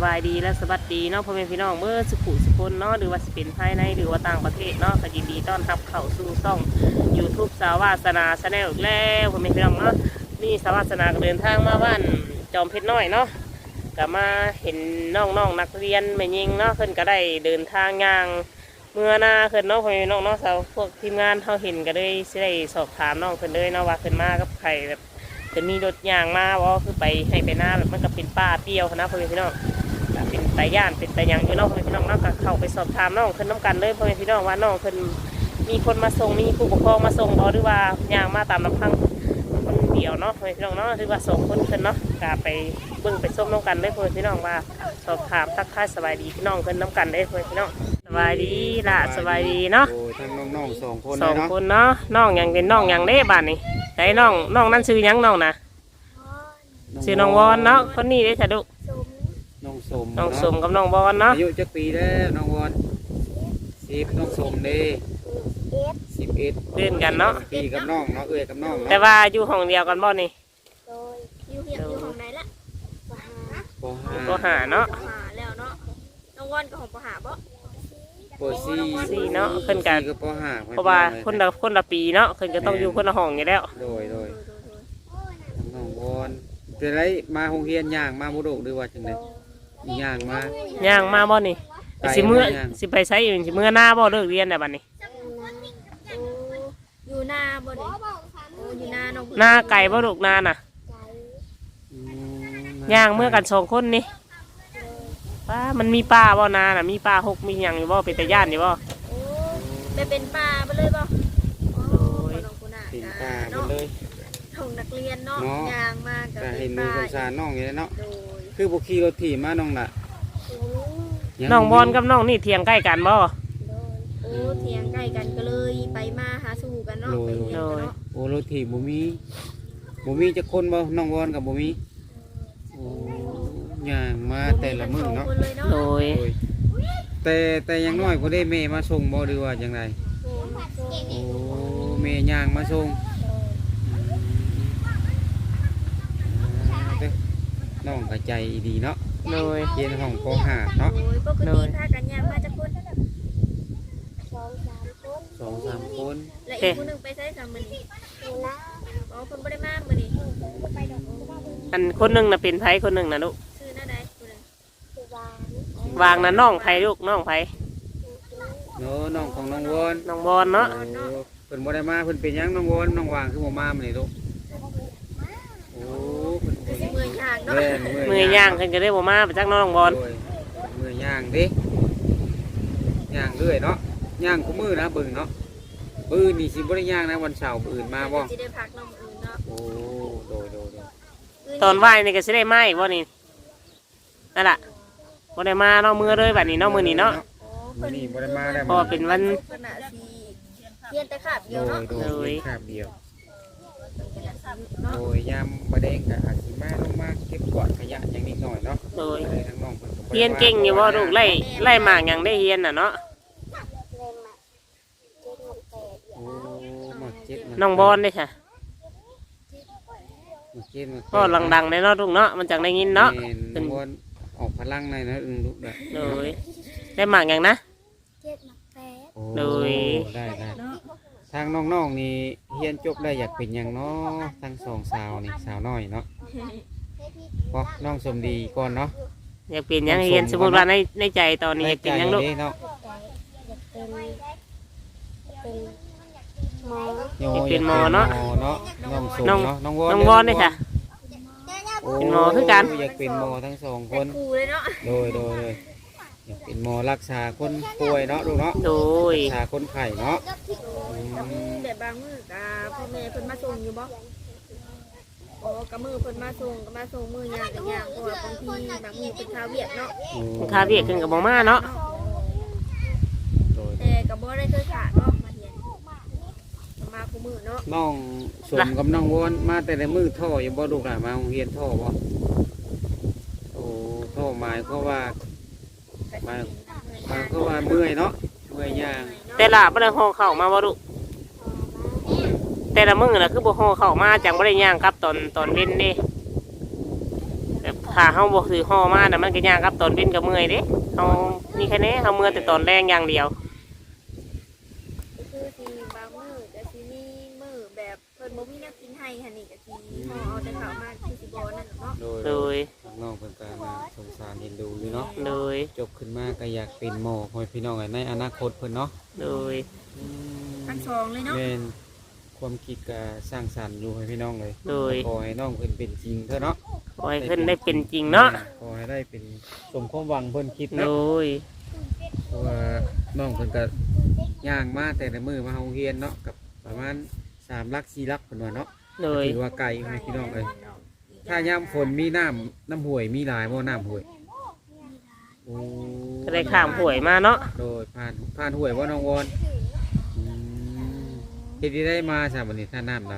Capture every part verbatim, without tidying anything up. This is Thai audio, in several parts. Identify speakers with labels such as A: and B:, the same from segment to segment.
A: บายดีและสวัสดีเนาะพ่อแม่พี่น้องเมื่อสุขุสุคนเนาะหรือว่าเป็นภายในหรือว่าต่างประเทศเนาะก็ยินดีต้อนรับเข้าสู่ช่อง ยูทูบ สาวาสนาชาแนลอีกแล้วพ่อแม่พี่น้องเนาะนี่สาวาสนาก็เดินทางมาบ้านจอมเพชรน้อยเนาะก็มาเห็นน้องๆนักเรียนแม่ยิงเนาะเพิ่นก็ได้เดินทางย่างเมื่อหน้าเพิ่นเนาะพ่อแม่พี่น้องเนาะสาวพวกทีมงานเขาเห็นก็เลยสิได้สอบถามน้องเพิ่นเลยเนาะว่าเพิ่นมากับใครแบบจะมีรถยางมาว่าคือไปให้ไปหน้าแบบมันก็เป็นป้าเปรี้ยวนะพ่อแม่พี่น้องเป็นตาย่านเป็นตายังอยู่น้องพ่อแม่พี่น้องเนาะก็เข้าไปสอบถามน้องเพิ่นน้ำกันเลยพ่อแม่พี่น้องว่าน้องเพิ่นมีคนมาส่งมีผู้ปกครองมาส่งหรือว่ายางมาตามลำพังคนเดียวเนาะพ่อแม่พี่น้องเนาะหรือว่าส่งคนเพิ่นเนาะก็ไปเบิ่งไปส้มน้องกันเลยพ่อแม่พี่น้องว่าสอบถามทักทายสบายดีพี่น้องเพิ่นน้ำกันเลยพ่อแม่พี่น้องสบายดีล่ะสบายดีเนาะ
B: ทั้งน้องๆสองคน
A: สองคนเนาะน้องยังเป็นน้องยังเด้บ้านนี่แต่น้องน้องนั่นชื่อยังน้องนะชื่อน้องวอนเนาะคนนี้ได้ฉะดุ
B: น้องสม
A: น้องสมกับน้องวอนเนาะ
B: อายุจักปีแล้วน้องวอนสิบน้องสมเด้สิบเอ็ด
A: เล่นกันเนาะ
B: ปีกับน้องเนาะเอ้ยกับน้อง
A: แต่ว่าอยู่ห้องเดียวกันบ่นี่
C: โดยอยู่เหียบอยู่ห้องไหนละ
B: ปห้า
A: ปห้าเนาะ
C: ปห้าแล้วเนาะน้องวอนกับของปห้าบ่
B: ปสี่
A: สี่เนาะขึ้นกัน
B: กับปห้า
A: เพราะว่าคนละคนละปีเนาะขึ้นก็ต้องอยู่คนละห้องอยู่แล้ว
B: โดยโดยน้องวอนจะได้มาโรงเรียนย่างมาบุโรกหรือว่าจังได๋ย่างมา
A: ย่างมาบ่นี่สิมื้อสิไปใช้อยู่สิมื้อหน้าบ่เลิกเรียนแล้วบัดนี้
C: อยู่หน้าบ่นี่โอ้อยู่หน้าน้อง
A: หน้าไก่บ่ลูกนาน่ะย่างเมื่อกันสองคนนี่ป้ามันมีป้าบ่นาน่ะมีป้าหกมีหยังอยู่บ่เป็นตาย่านอยู่บ่
C: โอ้ไปเป็นป้าไปเลยบ่โอ้น้องกูน่ะ
B: เป็นป้าไปเลย
C: ห้องนักเรียนเนาะย่างมากับ
B: เห็นมือสงสารน้องอยู่เนาะ
C: โดย
B: คือบ่ขี่รถถีบมาน้องน่ะ
A: น้องบอลกับน้องนี่เถียงใกล้กันบ่
C: โอ้เถียงใกล้กันก็เลยไปมาหาสู่กันเนาะไปเรียนกันเนาะ
B: โอ้รถถีบบ่มีบ่มีจักคนบ่น้องวอนกับบ่มีโอ้ย่างมาแต่ละมื้อเนาะ
A: โดย
B: แต่แต่ยังน้อยบ่ได้แม่มาส่งบ่หรือว่าจังไดโอ้แม่ย่างมาส่งน้องก็ใจดีเนาะ
A: โดย
B: เรียนห้องปห้าเนาะ
C: โดยปกติพากันย่างมาจักคน
B: สองสามคน
C: และอีกคนนึงไปใช้สามมื้อนี้อ๋อคนบ่ได้มามื้อนี้
A: อันคนนึงน่ะเป็นไผคนนึงน่ะลูก
C: ชื่อหน้าใดคนนึง
A: วางน่ะน้องไผลูกน้องไผ
B: เนาะน้องของน้องวอน
A: น้องบอลเนาะ
B: เพิ่นบ่ได้มาเพิ่นเป็นหยังน้องวอนน้องวางคือบ่มามื้อนี้ลูกโอ้เพิ่น
C: มือย่างเนาะ
A: มือย่างเพิ่นก็ได้บ่มาไปจักน้องบอล
B: มือย่างเด้ย่างเรื่อยเนาะย่างคู่มือนะเบิ่งเนาะปืนนี่สิบ่ได้ย่างนะวันเสาร์อื่นมาบ่
C: สิได้พักน้องอื่นเนาะ
B: โอ้โดยโดย
A: ตอนไหว้นี่ก็สิได้มาอีกบ่นี่นั่นล่ะบ่ได้มาเนาะมื้อเลยบัดนี้เนาะมื้อนี้เนาะ
B: มื้อนี้บ่ได้มาแล้ว
A: เพราะเป็นวัน
C: เรียนแต่คาบเดียวเนาะ
B: โดยคาบเดียวโดยยามบ่ได้ก็อาจสิมาลงมาเก็บกวาดขยะอย่างนิดหน่อยเนาะ
A: โดยเฮียนเก่งอยู่บ่ลูกไล่ไล่หมากหยังได้เฮียนน่ะเนาะน้องบอลได้ค่ะก็ดังๆในเนาะลูกเนาะมันจังได้ยินเนาะ
B: น้องบอลออกพลังในนะอึ้งลูกได้
A: โดยได้หมากหยังนะโดย
B: ได้ได้ทางน้องๆนี่เฮียนจบได้อยากเป็นอย่างเนาะทั้งสองสาวนี่สาวน้อยเนาะเพราะน้องสมดีก่อนเนาะ
A: อยากเป็นยังเฮียนสมมติว่าในในใจตอนนี้อยากเป็นยังลูกเป็นหมอเนาะ
B: น้องสมเนาะน้องวอน
A: น้องวอนเลยค่ะเป็นหมอคือกัน
B: อยากเป็นหมอทั้งสองคนโดยโดยอยากเป็นหมอรักษาคนป่วยเนาะลูกเนาะ
A: โดย
B: รักษาคนไข้เนาะ
C: แบบบางมื้อกับพ่อแม่เพิ่นมาส่งอยู่บ่อ๋อกับมือเพิ่นมาส่งก็มาส่งมือย่างกับย่างเพราะว่าบางทีบางมื้อเป็นข้าวเวียกเนาะ
A: ข้าวเวียกขึ้นกับบ่มาเนาะ
C: แต่ก็บ่ได้เคยขาดเนาะมาเรียนมาคู่มือเนาะ
B: น้องสมกับน้องวอนมาแต่ในมือท่ออยู่บ่ลูกหลานมาโรงเรียนท่อบ่โอ้ท่อหมายก็ว่ามามาก็ว่าเมื่อยเนาะเมื่อยย่าง
A: แต่ละบ่ได้ห่อข้าวมาบ่ลูกแต่ละมื้อน่ะคือบ่ห่อข้าวมาจังบ่ได้ย่างครับตอนตอนเว้นเด้แบบถ้าเฮาบ่ถือห่อมาน่ะมันก็ยากครับตอนเป็นก็เมื่อยเด้เฮามีแค่นี้เฮาเมื่อยแต่ตอนแรงอย่างเดียว
C: ก็คือสิบางมื้อก็สิมีมื้อแบบเพิ่นบ่มีแนวกินให้หั่นนี่ก็สิห่อเอาแต่ข้าวมาคือสิบ่นั่นเนาะ
B: โดย
A: โดย
B: น้องๆเพิ่นก็น่าสงสารเห็นดูอยู่เนาะ
A: โดย
B: จบขึ้นมาก็อยากเป็นหมอพ่อพี่น้องในอนาคตเพิ่นเนาะ
A: โดย
C: ทั้งสองเลยเนาะ
B: แม่นความคิดก็สร้างสรรค์อยู่ให้พี่น้องเลย
A: โดย
B: ขอให้น้องเพิ่นเป็นจริงเถอะเนาะ
A: ขอให้เพิ่นได้เป็นจริงเนาะ
B: ขอให้ได้เป็นสมความหวังเพิ่นคิด
A: โด
B: เนาะ
A: ย
B: เพราะว่าน้องเพิ่นก็ย่างมาแต่ละมื้อมาโรงเรียนเนาะกับประมาณสามลักสี่ลักเพิ่นว่าเนาะ
A: โดย
B: ถือว่าไกลให้พี่น้องเลยถ้ายามฝนมีน้ำน้ำห้วยมีหลายบ่น้ำห้วยโอ้
A: ก็ได้ข้ามหวยมาเนาะ
B: โดยผ่านผ่านห้วยบ่น้องวอนอืมเฮ็ดได้มาซะบัดนี้ถ้าน้ำได้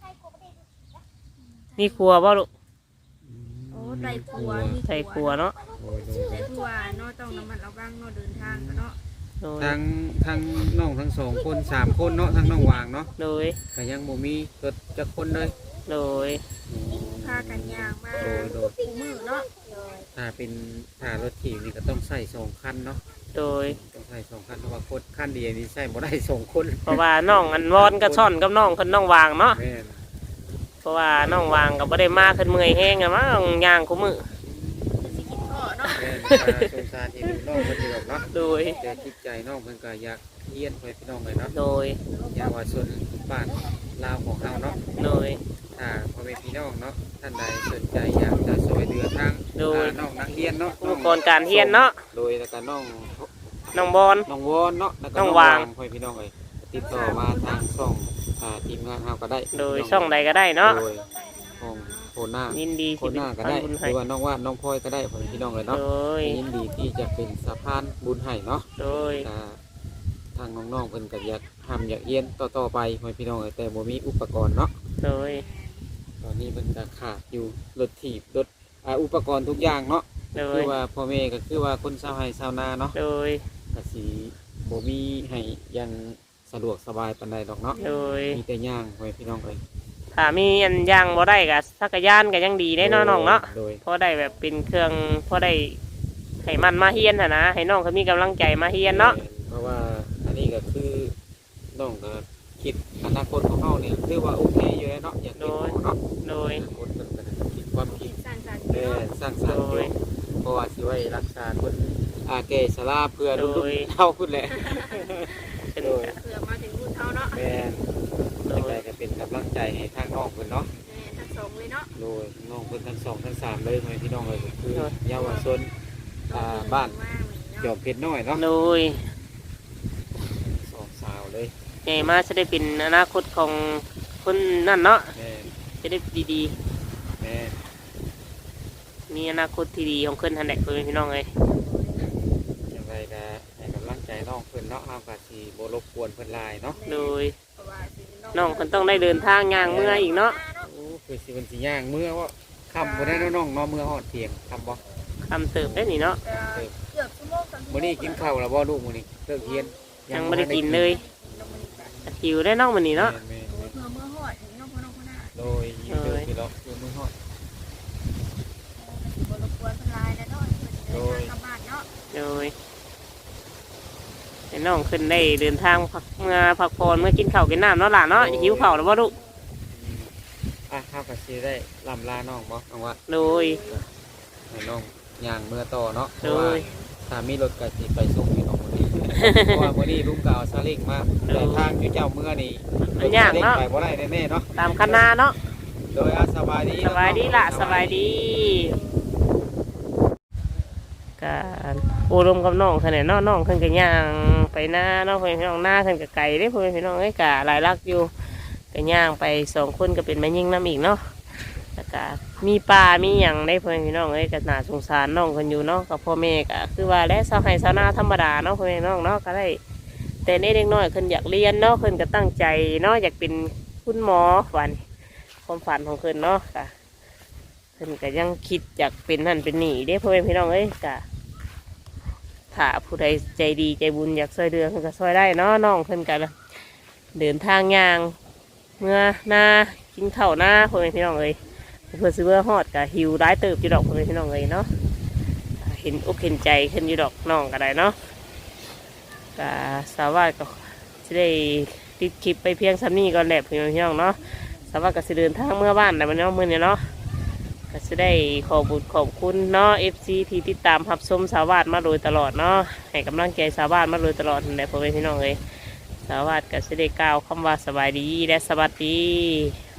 A: มีครัวบ่ลูก
C: โอ้ไตครัวมี
A: ใส่ครัวเนาะ
B: โดยโดย
C: แต่คือว่าเนาะต้องระมัดระวังเนาะเดินทางก็เนาะ
A: โดย
B: ทั้งทั้งน้องทั้งสองคนสามคนเนาะทั้งน้องวางเนาะ
A: โดย
B: ก็ยังบ่มีรถจักคนเลย
A: โดย
C: พากันย่างมา
B: โดยโดย
C: คู่มือเนาะ
B: ถ้าเป็นถ้ารถถีบนี่ก็ต้องใส่สองคันเนาะ
A: โดย
B: ต้องใส่สองคันเพราะว่าคนคันเดียวนี่ใส่บ่ได้สองคน
A: เพราะว่าน้องอันวอนก็ซ่อนกับน้องคนน้องวางเนาะ
B: แม่น
A: เพราะว่าน้องวางก็บ่ได้มาขึ้นเมื่อยแห้งอะมั้งย่างคู่มือ
C: สิกินข้อเนาะ
B: แม่นถ้าสงสารที่ดูน้องเพิ่นอยู่ดอกเนาะ
A: โดย
B: แต่จิตใจน้องเพิ่นก็อยากเรียนไปพี่น้องเลยเนาะ
A: โดย
B: อยากว่าส่วนบ้านลาวของเฮาเนาะ
A: โดย
B: ถ้าพ่อแม่พี่น้องเนาะท่านใดสนใจอยากจะช่วยเหลือทาง
A: โดย
B: อ่าน้องนักเรียนเนาะ
A: อุปกรณ์การเรียนเนาะ
B: โดยแล้วก็น้อง
A: น้องบอล
B: น้องวอนเนาะแล้วก็
A: น้องวาง
B: พ่อแม่พี่น้องเลยติดต่อมาทางช่องอ่าทีมงานเฮาก็ได้
A: โดยช่องใดก็ได้เนาะ
B: โดยของโคหน้า
A: ยินดี
B: โค
A: สิ
B: ห
A: เป็น
B: น้าก็
A: พัน
B: ได้
A: บุญ
B: ห
A: ให้
B: รือว่าน้องว่านน้องพลอยก็ได้พ่อแม่พี่น้องเลยเนาะ
A: โดย
B: ยินดีที่จะเป็นสะพานบุญให้เนาะ
A: โดย
B: อ่าทางน้องๆเพิ่นก็อยากทำอยากเรียนต่อๆไปพ่อแม่พี่น้องเอ้ยแต่บ่มีอุปกรณ์เนาะ
A: โดย
B: ตอนนี้มันก็ขาดอยู่รถถีบรถอ่าอุปกรณ์ทุกอย่างเนาะ
A: โด
B: คื
A: ย
B: อว่าพ่อแม่ก็คือว่าคนชาวไร่ชาวนาเนาะ
A: โดย
B: ก็สิบ่มีให้อยังสะดวกสบายปานใดดอกเนาะ
A: โดย
B: มีแต่ย่างพ่อแม่พี่น้องเอ้ย
A: ถ้ามีอันย่างบ่ได้ก็สักกะยานก็ยังดีได้เนาะน้องเนาะ
B: โดย
A: เพราะได้แบบเป็นเครื่องเพราะได้ให้มันมาเฮียนหั่นนะให้น้องเขามีกำลังใจมาเฮียนเนาะ
B: เพราะว่าอันนี้ก็คือน้องก็คิดอนาคตของเฮาเนี่ยคือว่าโอเคอยู่แล้วเนาะอยากเป็นหมอเนาะ
A: โดย
B: อนาคตเพิ่นก็คิดความคิด
C: สร้างสรรค์
B: เออ
C: เนาะ
B: สร้างสรรค์อ
A: โด
B: ยู่
A: ย
B: เพราะว่าสิไว้รักษาคนอาแก่ชราเพื่อรุ่น
A: โดย
B: เฮาพุ่นแหละ
A: เป็น
B: โดย
C: เพื่อมาถึงรุ่นเท่าเนาะ
B: แม่น
A: โด
B: จัง
A: ย
B: ไดก็เป็นกำลังใจให้ทางน้องเพิ่นเนาะ
C: แม่ทั้งสองเลยเนาะ
B: โดยน้องเพิ่นทั้งสองทั้งสามเลยให้พี่น้องเลยก็คือเยาวชนอ่าบ้านจอมเพชรน้อยเนาะ
A: โดย
B: สองสาวเลย
A: ใหญ่มาจะได้เป็นอนาคตของคนนั่นเนาะ
B: แม่น
A: จะได้ดี
B: แม่น
A: ๆ มีอนาคตที่ดีของคนทันแดกเพื่อนพี่น้องเลย
B: จังไดก็ให้กำลังใจน้องเพิ่นเนาะเฮาก็สิบ่รบกวนเพิ่นหลายเนาะ
A: โดย
C: เพราะว่าสิ
A: น้องคนต้องได้เดินทางย่างเมื่ออีกเนาะ
B: โอ้คือสิเพิ่นสิย่างเมื่อว่าค่ำบ่ได้เนาะน้องเนาะเมื่อฮอดเที่ยงค่ำบ่
A: คำเติบได้นี่เนาะ
C: เกือบชั่วโมงสองชั่วโมง
B: มื้อนี้กินข้าวแล้วบ่ลูกมื้อนี้เลิกเรียน
A: ยังไม่ได้กินเลยหิวได้น้องมันนี่เนาะ
B: แม่น
C: เพื่อเมื่อหอดถึงน้องพ่อน้องพ่อหน้า
B: ๆโดยอยู่เดินที่ล็อกอยู่มื้อฮอด
C: บรบกวนคนลายแล้วเนาะเดินทางกลับบ้านเนาะ
A: โดยให้น้องขึ้นได้เดินทางพักเมื่อพักผ่อนเมื่อกินข้าวกินน้ำเนาะหล่ะเนาะหิวข้าวแล้วบ่ลูก
B: อ่ะเฮาก็สิได้ลำลาน้องบ่น้องว่า
A: โดย
B: ให้น้องย่างเมื่อต่อเนาะเพ
A: โด
B: ราะว่าย ถ้ามีรถก็สิไปส่งให้น้องมื้อนี้ เพราะว่ามื้อนี้ลุงก็เอาซาเล้งมาแต่ทางอยู่เจ้าเมื่อนี่
A: มันยากเนาะ
B: ไปบ่ได้แน่ๆเนาะ
A: ตามคณะเนาะ
B: โดยอาสบายดี
A: สบายดีละสบายดีการอบรมกับน้องขนาดน้องน้องขึ้นกันย่างไปหน้าน้องเพื่อนพี่น้องหน้าขึ้นกับไก่ได้เพื่อนพี่น้องไอ้กะหลายลักอยู่กันย่างไปสองคนก็เป็นแม่ยิ่งน้ำอีกเนาะแล้วก็มีปลามีหยังได้เพื่อนพี่น้องไอ้ก็น่าสงสารน้องคนอยู่เนาะกับพ่อแม่ก็คือว่าและสาวไห้สาวนาธรรมดาเนาะเพื่อนพี่น้องเนาะก็ได้แต่เด็กน้อยขึ้นอยากเรียนเนาะขึ้นก็ตั้งใจเนาะอยากเป็นคุณหมอฝันความฝันของขึ้นเนาะค่ะเพิ่นก็ยังคิดอยากเป็นนั่นเป็นนี่เด้พ่อแม่พี่น้องเอ้ยก็ถ้าผู้ใดใจดีใจบุญอยากช่วยเดือเพิ่นก็ช่วยได้เนาะน้องเพิ่นก็เดินทางย่างเมื่อหน้ากินข้าวหน้าพ่อแม่พี่น้องเอ้ยเพื่อซื้อเมื่อฮอดก็หิวร้ายเติบอยู่ดอกพ่อแม่พี่น้องเลยเนาะเห็นอกเห็นใจขึ้นอยู่ดอกน้องก็ได้เนาะก็สาวาก็จะได้ติดคลิปไปเพียงซ้ำนี้ก่อนแหละพี่น้องเนาะสาวาก็จะเดินทางเมื่อบ้านแต่มันเนาะมื่อนี้เนาะก็จะได้ขอบุญขอบคุณเนาะ เอฟ ซี ที่ติดตามรับชมสาวาดมาโดยตลอดเนาะให้กำลังใจสาวาดมาโดยตลอดนั่นแหละพ่อแม่พี่น้องเลยสาวาดก็จะได้กล่าวคำว่าสบายดีและสวัสดี